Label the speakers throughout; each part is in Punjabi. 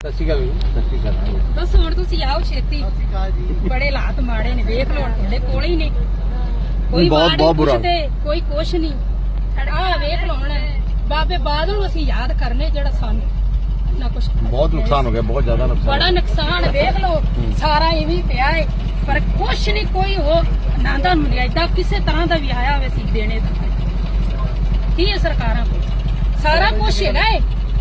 Speaker 1: ਸਤਿ ਸ਼੍ਰੀ ਅਕਾਲ ਜੀ। ਸਤਿ ਸ਼੍ਰੀ ਅਕਾਲ।
Speaker 2: ਬਸ ਹੁਣ ਤੁਸੀਂ ਆਓ ਛੇਤੀ। ਬੜੇ ਹਾਲਾਤ ਮਾੜੇ ਨੇ, ਵੇਖ ਲਓ ਤੁਹਾਡੇ ਕੋਲ ਹੀ ਨੇ। ਕੋਈ
Speaker 1: ਬਹੁਤ ਬੁਰਾ
Speaker 2: ਤੇ ਕੋਈ ਕੁਛ ਨਹੀਂ। ਆਹ ਵੇਖ ਲਓ ਹੁਣ ਬਾਬੇ ਬਾਦਲ ਨੂੰ ਅਸੀਂ ਯਾਦ ਕਰਨੇ, ਜਿਹੜਾ ਸਾਨੂੰ ਨਾ ਕੁਛ
Speaker 1: ਬਹੁਤ ਨੁਕਸਾਨ ਹੋ ਗਿਆ, ਬਹੁਤ ਜ਼ਿਆਦਾ ਨੁਕਸਾਨ।
Speaker 2: ਬੜਾ ਨੁਕਸਾਨ ਵੇਖ ਲਓ, ਸਾਰਾ ਇਵੇਂ ਪਿਆ ਹੈ, ਪਰ ਕੁਛ ਨਹੀਂ। ਕੋਈ ਹੋ ਨਾਂਦਾ ਮਰਿਆਦਾ ਕਿਸੇ ਤਰ੍ਹਾਂ ਦਾ ਵੀ ਆਇਆ ਹੋਵੇ ਸੀ ਦੇਣੇ ਦਾ ਕੀ ਹੈ ਸਰਕਾਰਾਂ ਕੋਲ? ਸਾਰਾ ਕੁਛ ਹੈਗਾ ਹੈ।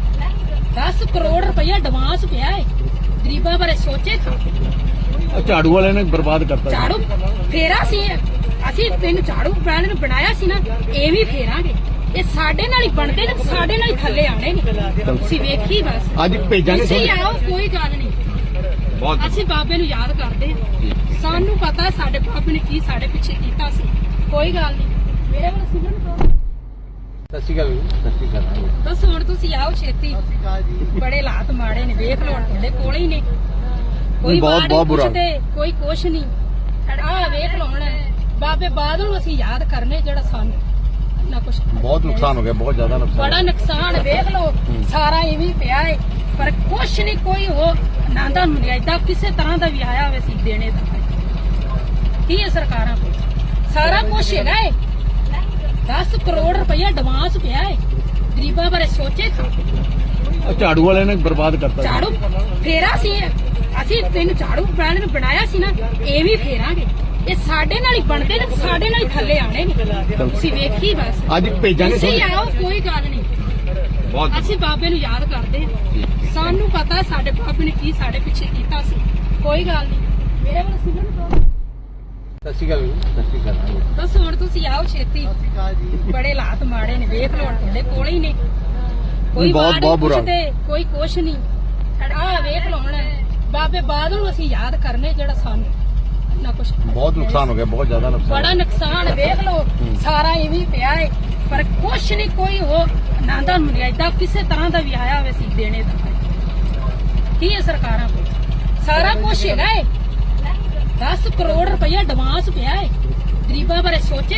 Speaker 2: 10 ਕਰੋੜ ਰੁਪਇਆ ਐਡਵਾਂਸ ਪਿਆ ਹੈ। ਗਰੀਬਾਂ ਬਾਰੇ ਸੋਚੇ ਤਾਂ
Speaker 1: ਝਾੜੂ ਵਾਲਿਆਂ ਨੇ ਬਰਬਾਦ ਕਰਤਾ।
Speaker 2: ਝਾੜੂ ਫੇਰਾ ਸੀ, ਅਸੀਂ ਤੈਨੂੰ ਝਾੜੂ ਵਾਲਿਆਂ ਨੂੰ ਬਣਾਇਆ ਸੀ ਨਾ, ਐਵੇਂ ਫੇਰਾਂਗੇ। ਇਹ ਸਾਡੇ ਨਾਲ ਹੀ ਬਣਦੇ ਨੇ, ਸਾਡੇ ਨਾਲ ਹੀ ਥੱਲੇ ਆਣੇ ਨੇ। ਤੁਸੀਂ ਵੇਖੀ ਬਸ
Speaker 1: ਅੱਜ ਭੇਜਾਂਗੇ।
Speaker 2: ਤੁਸੀਂ ਆਓ, ਕੋਈ ਗੱਲ ਨਹੀਂ। ਅਸੀਂ ਬਾਬੇ ਨੂੰ ਯਾਦ ਕਰਦੇ ਹਾਂ। ਸਾਨੂੰ ਪਤਾ ਸਾਡੇ ਬਾਬੇ ਨੇ ਕੀ ਸਾਡੇ ਪਿੱਛੇ ਕੀਤਾ ਸੀ। ਕੋਈ ਗੱਲ ਨਹੀਂ। ਮੇਰੇ ਵੱਲ ਸੁਣਨ ਤੋਂ
Speaker 1: ਸਤਿ ਸ਼੍ਰੀ ਅਕਾਲ ਜੀ। ਸਤਿ ਸ਼੍ਰੀ ਅਕਾਲ।
Speaker 2: ਬਸ ਹੁਣ ਤੁਸੀਂ ਆਓ ਛੇਤੀ। ਬੜੇ ਹਾਲਾਤ ਮਾੜੇ ਨੇ, ਵੇਖ ਲਓ ਤੁਹਾਡੇ ਕੋਲ ਹੀ ਨੇ। ਕੋਈ
Speaker 1: ਬਹੁਤ ਬੁਰਾ
Speaker 2: ਤੇ ਕੋਈ ਕੁਛ ਨਹੀਂ। ਆਹ ਵੇਖ ਲਓ ਹੁਣ ਬਾਬੇ ਬਾਦਲ ਨੂੰ ਅਸੀਂ ਯਾਦ ਕਰਨੇ, ਜਿਹੜਾ ਸਾਨੂੰ ਨਾ ਕੁਛ
Speaker 1: ਬਹੁਤ ਨੁਕਸਾਨ ਹੋ ਗਿਆ, ਬਹੁਤ ਜ਼ਿਆਦਾ ਨੁਕਸਾਨ।
Speaker 2: ਬੜਾ ਨੁਕਸਾਨ ਵੇਖ ਲਓ, ਸਾਰਾ ਇਵੇਂ ਪਿਆ ਹੈ, ਪਰ ਕੁਛ ਨਹੀਂ। ਕੋਈ ਹੋ ਨਾਂਦਾ ਮਰਿਆਦਾ ਕਿਸੇ ਤਰ੍ਹਾਂ ਦਾ ਵੀ ਆਇਆ ਹੋਵੇ ਸੀ ਦੇਣੇ ਦਾ ਕੀ ਹੈ ਸਰਕਾਰਾਂ ਕੋਲ? ਸਾਰਾ ਕੁਛ ਹੈਗਾ ਹੈ। 10 ਕਰੋੜ ਰੁਪਇਆ ਐਡਵਾਂਸ ਪਿਆ ਹੈ। ਗਰੀਬਾਂ ਬਾਰੇ ਸੋਚੇ ਤਾਂ
Speaker 1: ਝਾੜੂ ਵਾਲਿਆਂ ਨੇ ਬਰਬਾਦ ਕਰਤਾ।
Speaker 2: ਝਾੜੂ ਫੇਰਾ ਸੀ, ਅਸੀਂ ਤੈਨੂੰ ਝਾੜੂ ਵਾਲਿਆਂ ਨੂੰ ਬਣਾਇਆ ਸੀ ਨਾ, ਐਵੇਂ ਫੇਰਾਂਗੇ। ਇਹ ਸਾਡੇ ਨਾਲ ਹੀ ਬਣਦੇ ਨੇ, ਸਾਡੇ ਨਾਲ ਹੀ ਥੱਲੇ ਆਣੇ ਨੇ। ਤੁਸੀਂ ਵੇਖੀ ਬਸ
Speaker 1: ਅੱਜ ਭੇਜਾਂਗੇ।
Speaker 2: ਤੁਸੀਂ ਆਓ, ਕੋਈ ਗੱਲ ਨਹੀਂ। ਅਸੀਂ ਬਾਬੇ ਨੂੰ ਯਾਦ ਕਰਦੇ ਹਾਂ। ਸਾਨੂੰ ਪਤਾ ਸਾਡੇ ਬਾਬੇ ਨੇ ਕੀ ਸਾਡੇ ਪਿੱਛੇ ਕੀਤਾ ਸੀ। ਕੋਈ ਗੱਲ ਨਹੀਂ। ਮੇਰੇ ਵੱਲ ਸੁਣਨ ਤੋਂ
Speaker 1: ਸਤਿ ਸ਼੍ਰੀ ਅਕਾਲ ਜੀ। ਸਤਿ ਸ਼੍ਰੀ ਅਕਾਲ।
Speaker 2: ਬਸ ਹੁਣ ਤੁਸੀਂ ਆਓ ਛੇਤੀ। ਬੜੇ ਹਾਲਾਤ ਮਾੜੇ ਨੇ, ਵੇਖ ਲਓ ਤੁਹਾਡੇ ਕੋਲ ਹੀ ਨੇ। ਕੋਈ
Speaker 1: ਬਹੁਤ ਬੁਰਾ
Speaker 2: ਤੇ ਕੋਈ ਕੁਛ ਨਹੀਂ। ਆਹ ਵੇਖ ਲਓ ਹੁਣ ਬਾਬੇ ਬਾਦਲ ਨੂੰ ਅਸੀਂ ਯਾਦ ਕਰਨੇ, ਜਿਹੜਾ ਸਾਨੂੰ ਨਾ ਕੁਛ
Speaker 1: ਬਹੁਤ ਨੁਕਸਾਨ ਹੋ ਗਿਆ, ਬਹੁਤ ਜ਼ਿਆਦਾ ਨੁਕਸਾਨ।
Speaker 2: ਬੜਾ ਨੁਕਸਾਨ ਵੇਖ ਲਓ, ਸਾਰਾ ਇਵੇਂ ਪਿਆ ਹੈ, ਪਰ ਕੁਛ ਨਹੀਂ। ਕੋਈ ਹੋ ਨਾਂਦਾ ਮਰਿਆਦਾ ਕਿਸੇ ਤਰ੍ਹਾਂ ਦਾ ਵੀ ਆਇਆ ਹੋਵੇ ਸੀ ਦੇਣੇ ਦਾ ਕੀ ਹੈ ਸਰਕਾਰਾਂ ਕੋਲ? ਸਾਰਾ ਕੁਛ ਹੈਗਾ ਹੈ। 10 ਕਰੋੜ ਰੁਪਇਆ ਐਡਵਾਂਸ ਪਿਆ ਹੈ। ਗਰੀਬਾਂ ਬਾਰੇ ਸੋਚੇ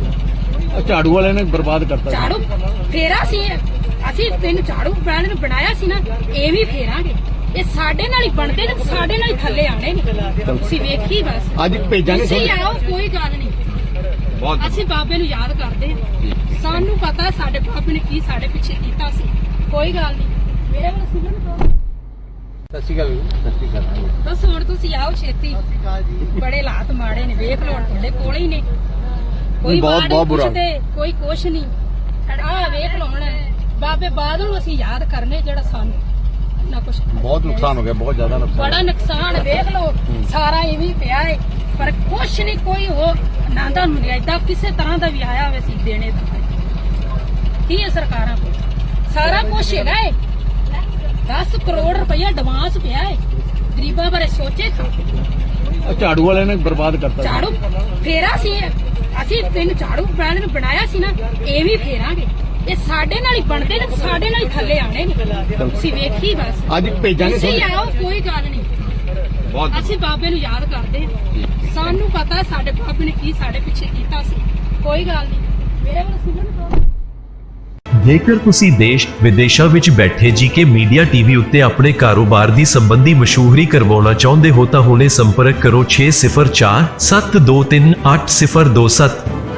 Speaker 2: ਤਾਂ
Speaker 1: ਝਾੜੂ ਵਾਲਿਆਂ ਨੇ ਬਰਬਾਦ ਕਰਤਾ।
Speaker 2: ਝਾੜੂ ਫੇਰਾ ਸੀ, ਅਸੀਂ ਤੈਨੂੰ ਝਾੜੂ ਵਾਲਿਆਂ ਨੂੰ ਬਣਾਇਆ ਸੀ ਨਾ, ਐਵੇਂ ਫੇਰਾਂਗੇ। ਇਹ ਸਾਡੇ ਨਾਲ ਹੀ ਬਣਦੇ ਨੇ, ਸਾਡੇ ਨਾਲ ਹੀ ਥੱਲੇ ਆਣੇ ਨੇ। ਤੁਸੀਂ ਵੇਖੀ ਬਸ
Speaker 1: ਅੱਜ ਭੇਜਾਂਗੇ।
Speaker 2: ਤੁਸੀਂ ਆਓ, ਕੋਈ ਗੱਲ ਨਹੀਂ। ਅਸੀਂ ਬਾਬੇ ਨੂੰ ਯਾਦ ਕਰਦੇ ਹਾਂ। ਸਾਨੂੰ ਪਤਾ ਸਾਡੇ ਬਾਬੇ ਨੇ ਕੀ ਸਾਡੇ ਪਿੱਛੇ ਕੀਤਾ ਸੀ। ਕੋਈ ਗੱਲ ਨਹੀਂ। ਮੇਰੇ ਵੱਲ ਸੁਣਨ ਤੋਂ
Speaker 1: ਸਤਿ ਸ਼੍ਰੀ ਅਕਾਲ ਜੀ। ਸਤਿ ਸ਼੍ਰੀ ਅਕਾਲ।
Speaker 2: ਬਸ ਹੁਣ ਤੁਸੀਂ ਆਓ ਛੇਤੀ। ਬੜੇ ਹਾਲਾਤ ਮਾੜੇ ਨੇ, ਵੇਖ ਲਓ ਤੁਹਾਡੇ ਕੋਲ ਹੀ ਨੇ। ਕੋਈ
Speaker 1: ਬਹੁਤ ਬੁਰਾ
Speaker 2: ਤੇ ਕੋਈ ਕੁਛ ਨਹੀਂ। ਆਹ ਵੇਖ ਲਓ ਹੁਣ ਬਾਬੇ ਬਾਦਲ ਨੂੰ ਅਸੀਂ ਯਾਦ ਕਰਨੇ, ਜਿਹੜਾ ਸਾਨੂੰ ਨਾ ਕੁਛ
Speaker 1: ਬਹੁਤ ਨੁਕਸਾਨ ਹੋ ਗਿਆ, ਬਹੁਤ ਜ਼ਿਆਦਾ ਨੁਕਸਾਨ।
Speaker 2: ਬੜਾ ਨੁਕਸਾਨ ਵੇਖ ਲਓ, ਸਾਰਾ ਇਵੇਂ ਪਿਆ ਹੈ, ਪਰ ਕੁਛ ਨਹੀਂ। ਕੋਈ ਹੋ ਨਾਂਦਾ ਮਰਿਆਦਾ ਕਿਸੇ ਤਰ੍ਹਾਂ ਦਾ ਵੀ ਆਇਆ ਹੋਵੇ ਸੀ ਦੇਣੇ ਦਾ ਕੀ ਹੈ ਸਰਕਾਰਾਂ ਕੋਲ? ਸਾਰਾ ਕੁਛ ਹੈਗਾ ਹੈ। 10 ਕਰੋੜ ਰੁਪਇਆ ਐਡਵਾਂਸ ਪਿਆ ਹੈ। ਗਰੀਬਾਂ ਬਾਰੇ ਸੋਚੇ ਤਾਂ
Speaker 1: ਝਾੜੂ ਵਾਲਿਆਂ ਨੇ ਬਰਬਾਦ ਕਰਤਾ।
Speaker 2: ਝਾੜੂ ਫੇਰਾ ਸੀ, ਅਸੀਂ ਤੈਨੂੰ ਝਾੜੂ ਵਾਲਿਆਂ ਨੂੰ ਬਣਾਇਆ ਸੀ ਨਾ, ਐਵੇਂ ਫੇਰਾਂਗੇ। ਇਹ ਸਾਡੇ ਨਾਲ ਹੀ ਬਣਦੇ ਨੇ, ਸਾਡੇ ਨਾਲ ਹੀ ਥੱਲੇ ਆਣੇ ਨੇ। ਤੁਸੀਂ ਵੇਖੀ ਬਸ
Speaker 1: ਅੱਜ ਭੇਜਾਂਗੇ।
Speaker 2: ਤੁਸੀਂ ਆਓ, ਕੋਈ ਗੱਲ ਨਹੀਂ। ਅਸੀਂ ਬਾਬੇ ਨੂੰ ਯਾਦ ਕਰਦੇ ਹਾਂ। ਸਾਨੂੰ ਪਤਾ ਸਾਡੇ ਬਾਬੇ ਨੇ ਕੀ ਸਾਡੇ ਪਿੱਛੇ ਕੀਤਾ ਸੀ। ਕੋਈ ਗੱਲ ਨਹੀਂ। ਮੇਰੇ ਵੱਲ ਸੁਣਨ ਤੋਂ
Speaker 3: ਜੇਕਰ ਤੁਸੀਂ ਦੇਸ਼ ਵਿਦੇਸ਼ਾਂ ਵਿੱਚ ਬੈਠੇ ਜੀਕੇ ਮੀਡੀਆ ਟੀਵੀ ਉੱਤੇ ਆਪਣੇ ਕਾਰੋਬਾਰ ਦੀ ਸੰਬੰਧੀ ਮਸ਼ਹੂਰੀ ਕਰਵਾਉਣਾ ਚਾਹੁੰਦੇ ਹੋ ਤਾਂ ਹੁਣੇ ਸੰਪਰਕ ਕਰੋ 6047238027।